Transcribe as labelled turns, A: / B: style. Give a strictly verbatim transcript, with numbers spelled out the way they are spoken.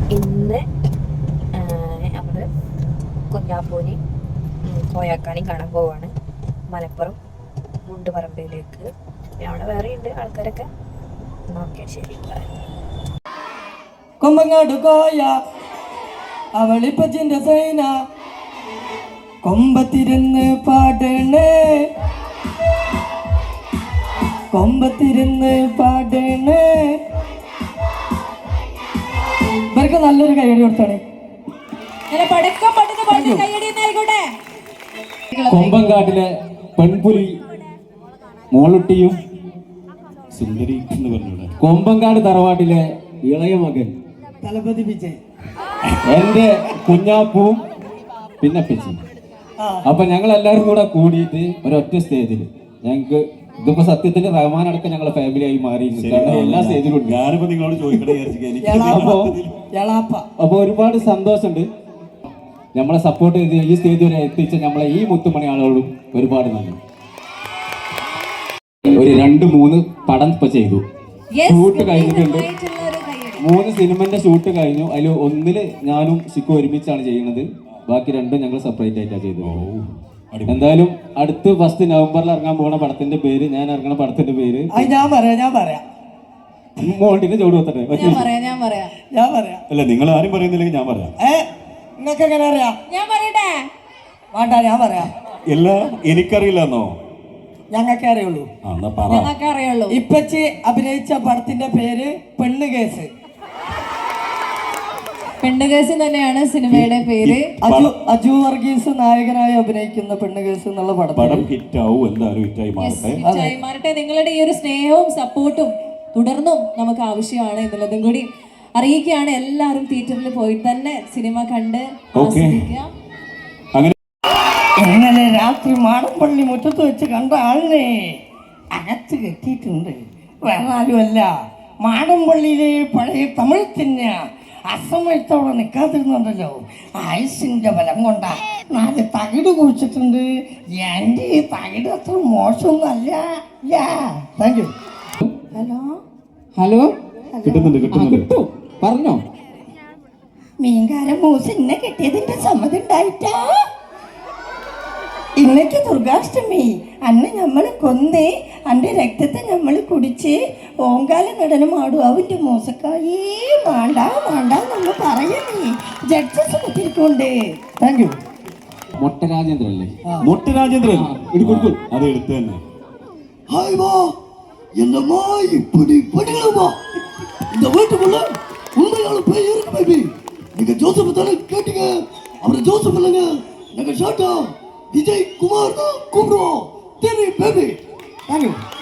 A: ഇന്ന് നമ്മൾ കുഞ്ഞാപ്പൂനി കോയാക്കാനെയും കാണാൻ പോവാണ് മലപ്പുറം മുണ്ടുപറമ്പിലേക്ക്. അവിടെ വേറെ ഉണ്ട് ആൾക്കാരൊക്കെ. ഓക്കെ, ശരി.
B: കൊമ്പങ്ങാട് കോയ അവളിപ്പച്ചിന്റെ സൈന കൊമ്പത്തിരുന്ന് പാടണേ കൊമ്പത്തിരുന്ന് പാടണേ. ഇവർക്ക് നല്ലൊരു കൈയടി കൊടുത്തോണേ.
C: കൊമ്പങ്കാട്ടിലെ പെൺപുലി മോളുട്ടിയും സുന്ദരി എന്ന് പറഞ്ഞു. കൊമ്പങ്കാട് തറവാട്ടിലെ ഇളയ മകൻ
B: തലപതി വിജയ്,
C: എന്റെ കുഞ്ഞാപ്പൂവും പിന്നെ പിച്ചി. അപ്പൊ ഞങ്ങൾ എല്ലാവരും കൂടെ കൂടിയിട്ട് ഒരൊറ്റ സ്റ്റേജിൽ ഞങ്ങക്ക് ഇതിപ്പോ സത്യത്തിൽ റഹ്മാൻ അടക്കം ഞങ്ങളെ ഫാമിലി ആയി മാറി. എല്ലാ സ്റ്റേജിലും
D: ഞാനിപ്പോ നിങ്ങളോട് ചോദിക്കട്ടെ.
C: അപ്പൊ ഒരുപാട് സന്തോഷമുണ്ട്. നമ്മളെ സപ്പോർട്ട് ചെയ്ത് ഈ സ്റ്റേജ് വരെ എത്തിച്ച നമ്മളെ ഈ മുത്തുമണി ആളുകളും ഒരുപാട് നന്ദി. ഒരു രണ്ട് മൂന്ന് പടം ഇപ്പൊ ചെയ്തു, ഷൂട്ട് കഴിഞ്ഞിട്ടുണ്ട്. മൂന്ന് സിനിമന്റെ ഷൂട്ട് കഴിഞ്ഞു. അതിൽ ഒന്നില് ഞാനും സിക്കു ഒരുമിച്ചാണ് ചെയ്യുന്നത്, ബാക്കി രണ്ടും ഞങ്ങൾ സെപ്പറേറ്റ് ആയിട്ടാണ് ചെയ്തത്. എന്തായാലും അടുത്ത് ഫസ്റ്റ് നവംബറിൽ ഇറങ്ങാൻ പോകുന്ന പടത്തിന്റെ പേര്, ഞാൻ ഇറങ്ങുന്ന പടത്തിന്റെ പേര്
B: ഞാൻ പറയാം ഞാൻ പറയാം
C: മോണ്ടിന്റെ ചോട് വെത്തട്ടെ.
D: അല്ല, നിങ്ങൾ ആരും പറയുന്നില്ലെങ്കിൽ ഞാൻ പറയാം.
B: നിങ്ങൾക്ക് എങ്ങനെ അറിയാം?
E: ഞാൻ പറയട്ടെ?
B: വേണ്ട, ഞാൻ പറയാം.
D: ഇല്ല, എനിക്കറിയില്ലെന്നോ?
B: ഞങ്ങൾക്ക് അറിയുള്ളൂ.
E: ഞങ്ങൾക്ക് അറിയുള്ളൂ.
B: ഇപ്പച്ചി അഭിനയിച്ച പടത്തിന്റെ പേര് പെണ്ണ് കേസ്.
E: പെണ്ണ് കേസ് തന്നെയാണ് സിനിമയുടെ പേര്.
B: അജു അജു വർഗീസ് നായകനായി അഭിനയിക്കുന്ന പെണ്ണ് കേസ് എന്നുള്ള പടം
D: ഹിറ്റ് ആവും. എന്തായാലും ഹിറ്റായി
E: മാറട്ടെ. നിങ്ങളുടെ ഈ ഒരു സ്നേഹവും സപ്പോർട്ടും തുടർന്നും നമുക്ക് ആവശ്യമാണ് എന്നുള്ളതും കൂടി അറിയിക്കുകയാണ്. എല്ലാവരും തിയേറ്ററിൽ പോയി തന്നെ സിനിമ കണ്ട് ആസ്വദിക്കുക.
B: ഇന്നലെ രാത്രി മാടമ്പള്ളി മുറ്റത്ത് വെച്ച് കണ്ട ആളിനെ അകത്ത് കെട്ടിയിട്ടുണ്ട്. വേറെ ആരുമല്ല, മാടമ്പള്ളിയിലെ പഴയ തമിഴ് തന്നെ അസമയത്തോടെ നിൽക്കാതിരുന്നുണ്ടല്ലോ. ആയുസിന്റെ ബലം കൊണ്ടാ നാല് തകിട് കുഴിച്ചിട്ടുണ്ട്. എൻ്റെ ഈ തകിട് അത്ര മോശമൊന്നുമല്ല. Thank you. ഹലോ
C: ഹലോ
D: കിട്ടുന്നുണ്ട് കിട്ടുന്നുണ്ട്
C: പറഞ്ഞോ.
B: മീൻകാരൻ മൂസ് ഇന്നെ കിട്ടിയതിന്റെ സമ്മതം ഉണ്ടായിട്ടാ. ഇന്നേക്ക് ദുർഗാഷ്ടമി. അന്ന് നമ്മൾ കൊന്ന് അന്റെ രക്തത്തെ നമ്മൾ കുടിച്ച് ഓങ്കാല നടനം ആടും. അവന്റെ മൂസക്കായേ വേണ്ട വേണ്ട നമ്മൾ പറയുന്നേ. ജഡ്ജസ് കുത്തിരിക്കൊണ്ട്. Thank you.
C: മൊട്ടരാജേന്ദ്രൻ അല്ലേ?
D: മൊട്ടരാജേന്ദ്രൻ അത് എടുത്തു തന്നെ.
F: ஹாய் வா, என்னம்மா இப்படி படிக்கலாமா? இந்த வீட்டுக்குள்ள உண்மையான பேய் இருக்கு பேபி. நீங்க ஜோசப் தானே கேட்டீங்க? அவரை ஜோசப் இல்லைங்க, நாங்க ஷாட்டா விஜய் குமார் தான் கூப்பிடுவோம். தெரியும் பேபி.
B: Thank you.